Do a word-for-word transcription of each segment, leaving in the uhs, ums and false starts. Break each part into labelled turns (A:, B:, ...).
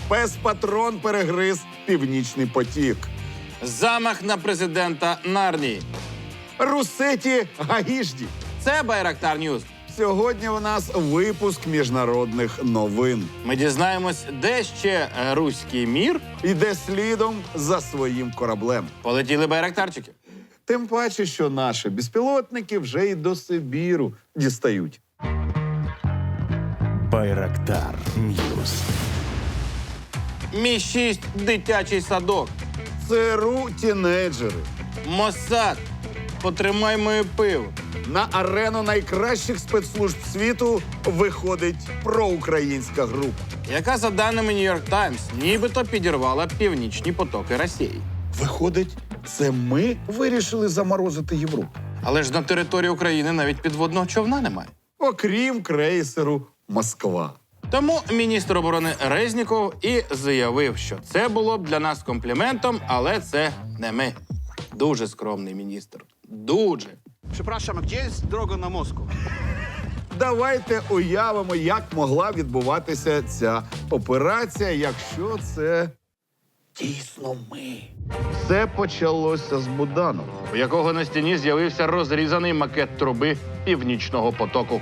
A: Пес-патрон перегриз Північний потік.
B: Замах на президента Нарнії.
A: Русеті Гаїжді.
B: Це Байрактар Ньюс.
A: Сьогодні у нас випуск міжнародних новин.
B: Ми дізнаємось, де ще руський мір.
A: Іде слідом за своїм кораблем.
B: Полетіли байрактарчики.
A: Тим паче, що наші безпілотники вже й до Сибіру дістають.
C: Байрактар Ньюс.
B: Мі шість дитячий садок.
A: ЦРУ тінейджери.
B: Моссад. Потримай моє пиво.
A: На арену найкращих спецслужб світу виходить проукраїнська група.
B: Яка, за даними Нью-Йорк Таймс, нібито підірвала північні потоки Росії.
A: Виходить, це ми вирішили заморозити Європу.
B: Але ж на території України навіть підводного човна немає.
A: Окрім крейсеру «Москва».
B: Тому міністр оборони Резніков і заявив, що це було б для нас компліментом, але це не ми. Дуже скромний міністр. Дуже.
D: Przepraszam, a gdzie jest droga na Moskwę?
A: Давайте уявимо, як могла відбуватися ця операція, якщо це дійсно ми. Все почалося з Буданова.
B: У якого на стіні з'явився розрізаний макет труби Північного потоку.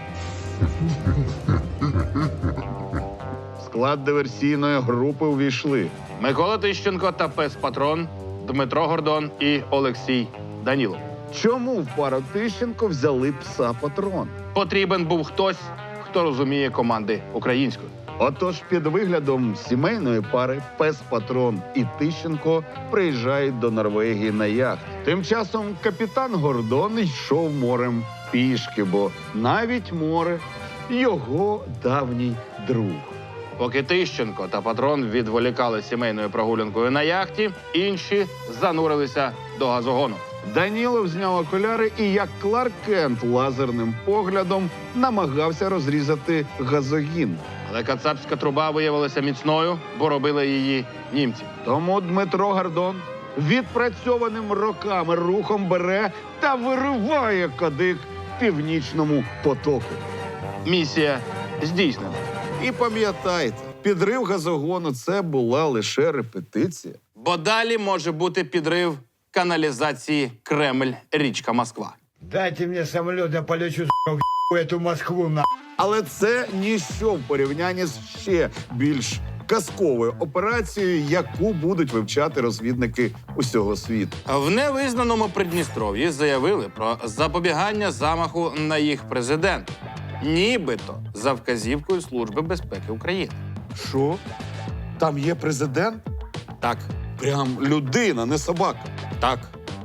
A: В склад диверсійної групи увійшли
B: Микола Тищенко та пес-патрон, Дмитро Гордон і Олексій Данілов.
A: Чому в пару Тищенко взяли пса-патрон?
B: Потрібен був хтось, хто розуміє команди українською.
A: Отож, під виглядом сімейної пари пес-патрон і Тищенко приїжджають до Норвегії на яхт. Тим часом капітан Гордон йшов морем пішки, бо навіть море – його давній друг.
B: Поки Тищенко та патрон відволікали сімейною прогулянкою на яхті, інші занурилися до газогону.
A: Данілов зняв окуляри і, як Кларк Кент, лазерним поглядом намагався розрізати газогін.
B: Але кацапська труба виявилася міцною, бо робили її німці.
A: Тому Дмитро Гордон відпрацьованим роками рухом бере та вириває кадик Північному потоку.
B: Місія здійснена.
A: І пам'ятайте, підрив газогону – це була лише репетиція.
B: Бо далі може бути підрив каналізації Кремль-річка Москва.
E: Дайте мне самолет, я полечу в эту Москву, на.
A: Але це ніщо в порівнянні з ще більш казковою операцією, яку будуть вивчати розвідники усього світу.
B: В невизнаному Придністров'ї заявили про запобігання замаху на їх президента. Нібито за вказівкою Служби безпеки України.
A: Що? Там є президент?
B: Так,
A: Прям людина, не собака.
B: так.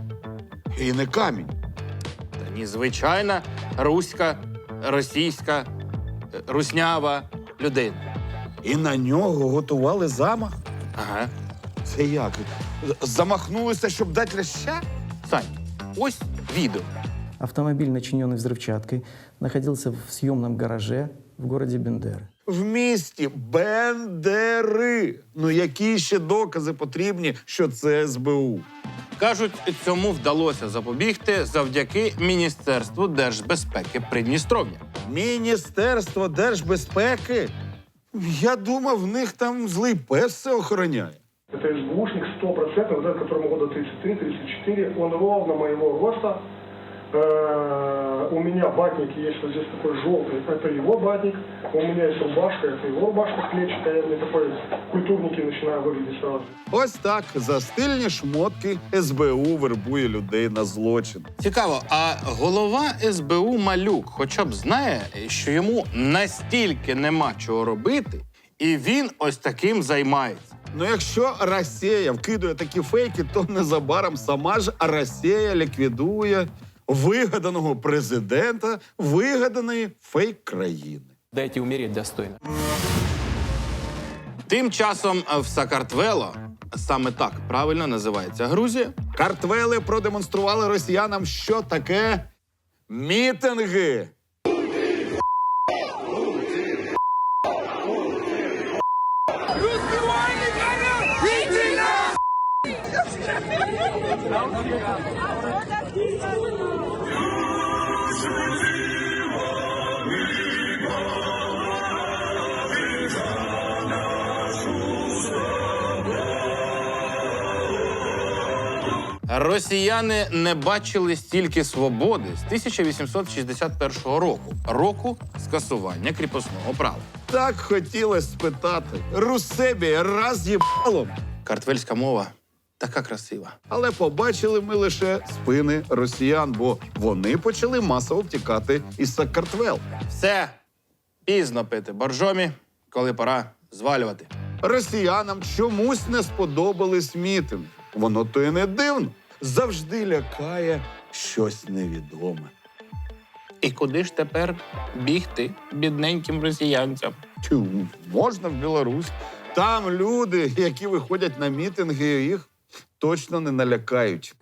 A: І не камінь.
B: Та ні, звичайна руська, російська, е, руснява людина.
A: І на нього готували замах?
B: Ага.
A: Це як? Замахнулися, щоб дати ляща?
B: Сань, ось відео.
F: Автомобиль, начиненный взрывчаткой, находился в съемном гараже в городе Бендеры.
A: В місті Бендери. Ну які ще докази потрібні, що це ес бе у?
B: Кажуть, цьому вдалося запобігти завдяки Міністерству держбезпеки Придністров'я.
A: Міністерство держбезпеки? Я думав, в них там злий пес все охороняє.
G: Это СБУшник сто процентов, вот этот, которому года тридцать три тридцать четыре, он ровно моего роста. Э, у меня батник есть вот здесь такой желтый, это его батник. У меня есть рубашка, это его рубашка клетчатая. Я мне такой культурненький начинаю выглядеть сразу.
A: Ось так за стильні шмотки ес бе у вербує людей на злочин.
B: Цікаво, а голова ес бе у Малюк хоча б знає, що йому настільки нема чого робити, і він ось таким займається.
A: Ну якщо Росія вкидує такі фейки, то незабаром сама ж Росія ліквідує вигаданого президента вигаданої фейк-країни.
H: Дайте умереть достойно.
B: Тим часом в Сакартвело, саме так правильно називається Грузія,
A: Картвели продемонстрували росіянам, що таке мітинги.
B: Росіяни не бачили стільки свободи з тисяча вісімсот шістдесят першого року, року скасування кріпосного права.
A: Так хотілося спитати. Русебі раз їбалом.
B: Картвельська мова така красива.
A: Але побачили ми лише спини росіян, бо вони почали масово втікати із Сакартвел.
B: Все, пізно пити боржомі, коли пора звалювати.
A: Росіянам чомусь не сподобались мітинги. Воно то і не дивно. Завжди лякає щось невідоме.
B: І куди ж тепер бігти бідненьким росіянцям?
A: Тю, можна в Білорусь. Там люди, які виходять на мітинги, їх точно не налякають.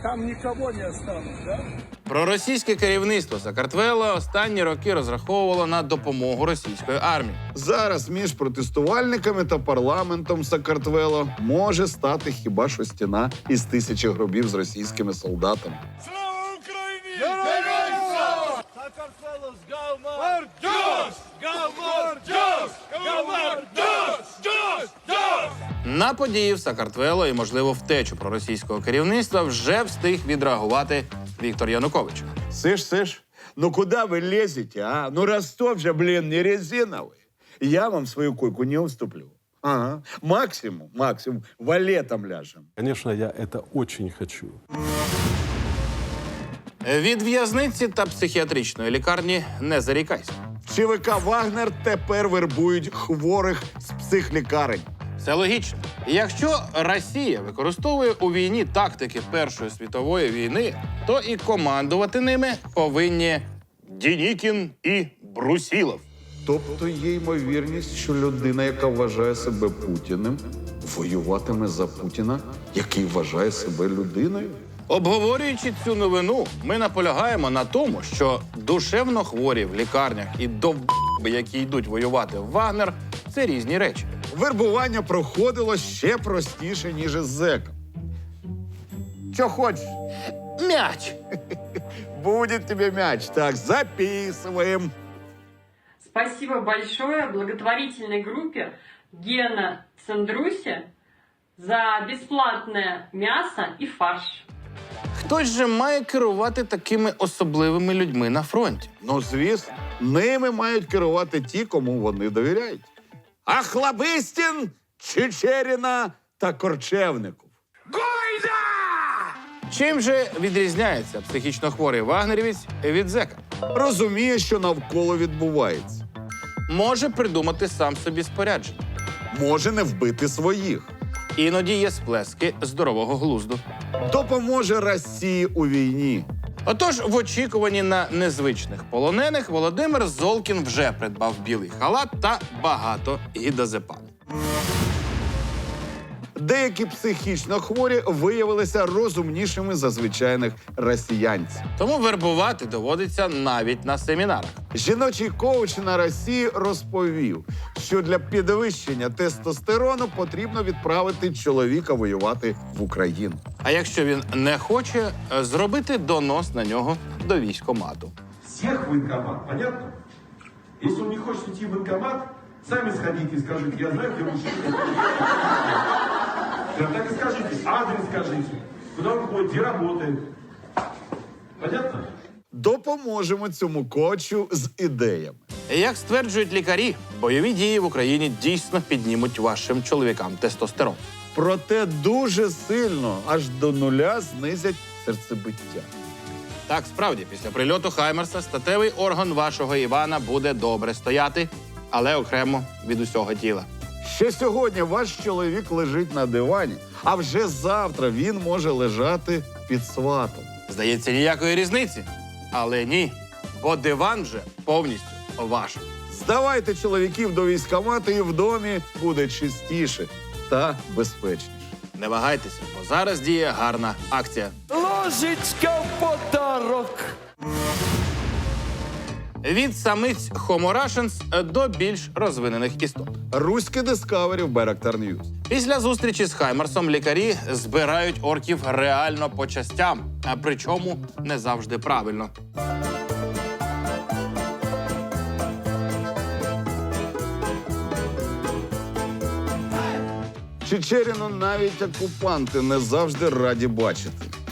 B: Проросійське керівництво Сакартвела останні роки розраховувало на допомогу російської армії.
A: Зараз між протестувальниками та парламентом Сакартвело може стати хіба що стіна із тисячі гробів з російськими солдатами.
B: На події в Сакартвело і, можливо, втечу проросійського керівництва вже встиг відреагувати Віктор Янукович.
A: Сиш, сиш, ну куда вы лезете, а? Ну Ростов же, блин, не резиновый. Я вам свою койку не уступлю. Ага. Максимум, максимум, валетом ляжем.
H: Конечно, я это очень хочу.
B: Від в'язниці та психіатричної лікарні не зарікайся.
A: ЧВК «Вагнер» тепер вербують хворих з психлікарень.
B: Все логічно. Якщо Росія використовує у війні тактики Першої світової війни, то і командувати ними повинні Дінікін і Брусілов.
A: Тобто є ймовірність, що людина, яка вважає себе Путіним, воюватиме за Путіна, який вважає себе людиною?
B: Обговорюючи цю новину, ми наполягаємо на тому, що душевно хворі в лікарнях і довб***би, які йдуть воювати в Вагнер, це різні речі.
A: Вербування проходило ще простіше, ніж із зеком. Що хочеш?
B: Мяч!
A: Будет тебе мяч. Так, записываем.
I: Спасибо большое благотворительной группе Гена Цандруси за бесплатное мясо и фарш.
B: Хтось же має керувати такими особливими людьми на фронті.
A: Ну, звісно, ними мають керувати ті, кому вони довіряють. Ахлобистін, Чечеріна та Корчевников.
B: Чим же відрізняється психічно хворий вагнерівець від зека?
A: Розуміє, що навколо відбувається.
B: Може придумати сам собі спорядження.
A: Може не вбити своїх.
B: Іноді є сплески здорового глузду.
A: Допоможе Росії у війні.
B: Отож, в очікуванні на незвичних полонених Володимир Золкін вже придбав білий халат та багато гідозепану.
A: Деякі психічно хворі виявилися розумнішими за звичайних росіянців.
B: Тому вербувати доводиться навіть на семінарах.
A: Жіночий коуч на Росії розповів, що для підвищення тестостерону потрібно відправити чоловіка воювати в Україну.
B: А якщо він не хоче, зробити донос на нього до військкомату.
J: Всех в военкомат, понятно? Если он не хочет идти в военкомат, сами сходите и скажите, я знаю, где мужчина. Прям так и скажите, адрес скажите, куда он ходит, где работает. Понятно?
A: Допоможемо цьому коучу з ідеями.
B: Як стверджують лікарі, бойові дії в Україні дійсно піднімуть вашим чоловікам тестостерон.
A: Проте дуже сильно, аж до нуля знизять серцебиття.
B: Так, справді, після прильоту Хаймерса статевий орган вашого Івана буде добре стояти, але окремо від усього тіла.
A: Ще сьогодні ваш чоловік лежить на дивані, а вже завтра він може лежати під сватом.
B: Здається, ніякої різниці. Але ні, бо диван вже повністю ваш.
A: Здавайте чоловіків до військкомату, і в домі буде чистіше та безпечніше.
B: Не вагайтеся, бо зараз діє гарна акція.
E: Ложечка в подарок.
B: Від самиць Homo russians до більш розвинених істот.
A: Руське Discovery в Байрактар Ньюс.
B: Після зустрічі з Хаймерсом лікарі збирають орків реально по частям, а причому не завжди правильно.
A: Чечеріну навіть окупанти не завжди раді бачити.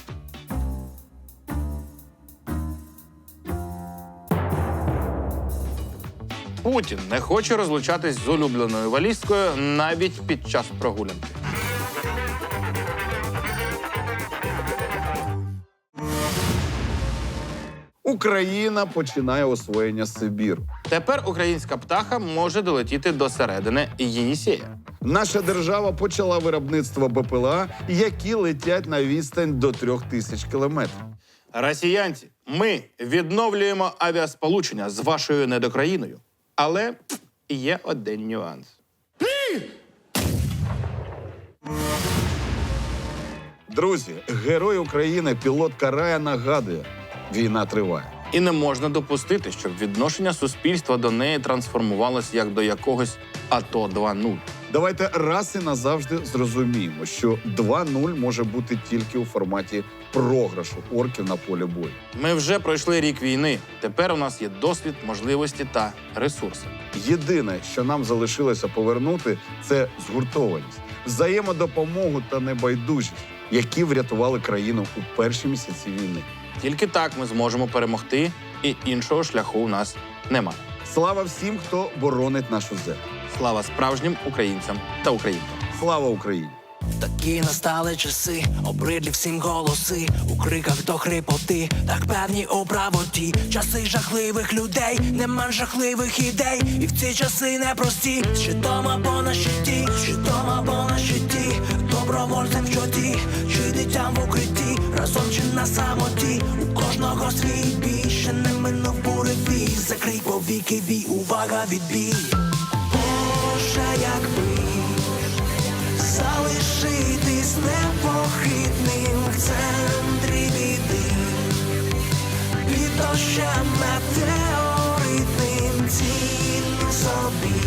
B: Путін не хоче розлучатись з улюбленою валізкою навіть під час прогулянки.
A: Україна починає освоєння Сибіру.
B: Тепер українська птаха може долетіти до середини Єнісея.
A: Наша держава почала виробництво БПЛА, які летять на відстань до трьох тисяч кілометрів.
B: Росіянці, ми відновлюємо авіасполучення з вашою недокраїною. Але є один нюанс.
A: Друзі, герой України, пілот Карая, нагадує, війна триває.
B: І не можна допустити, щоб відношення суспільства до неї трансформувалось як до якогось АТО два нуль.
A: Давайте раз і назавжди зрозуміємо, що два нуль може бути тільки у форматі програшу орків на полі бою.
B: Ми вже пройшли рік війни. Тепер у нас є досвід, можливості та ресурси.
A: Єдине, що нам залишилося повернути, це згуртованість, взаємодопомогу та небайдужість, які врятували країну у перші місяці війни.
B: Тільки так ми зможемо перемогти, і іншого шляху у нас немає.
A: Слава всім, хто боронить нашу землю.
B: Слава справжнім українцям та українкам.
A: Слава Україні!
K: Такі настали часи, обридлі всім голоси, у криках до хрипоти, так певні у правоті. Часи жахливих людей, нема жахливих ідей, і в ці часи непрості. Щитом або на щиті, щитом або на щиті, добровольцем в чоті, чи дитям в укритті, разом чи на самоті. У кожного свій бій, ще не минув буревій, закрий повіки, вій, увага, відбій. Боже, якби залишитись непохитним в центрі біди, під дощем метеоритним, цінний собі.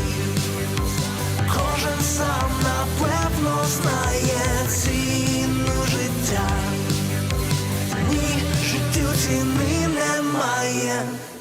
K: Кожен сам напевно знає ціну життя. Ні, життю ціни немає.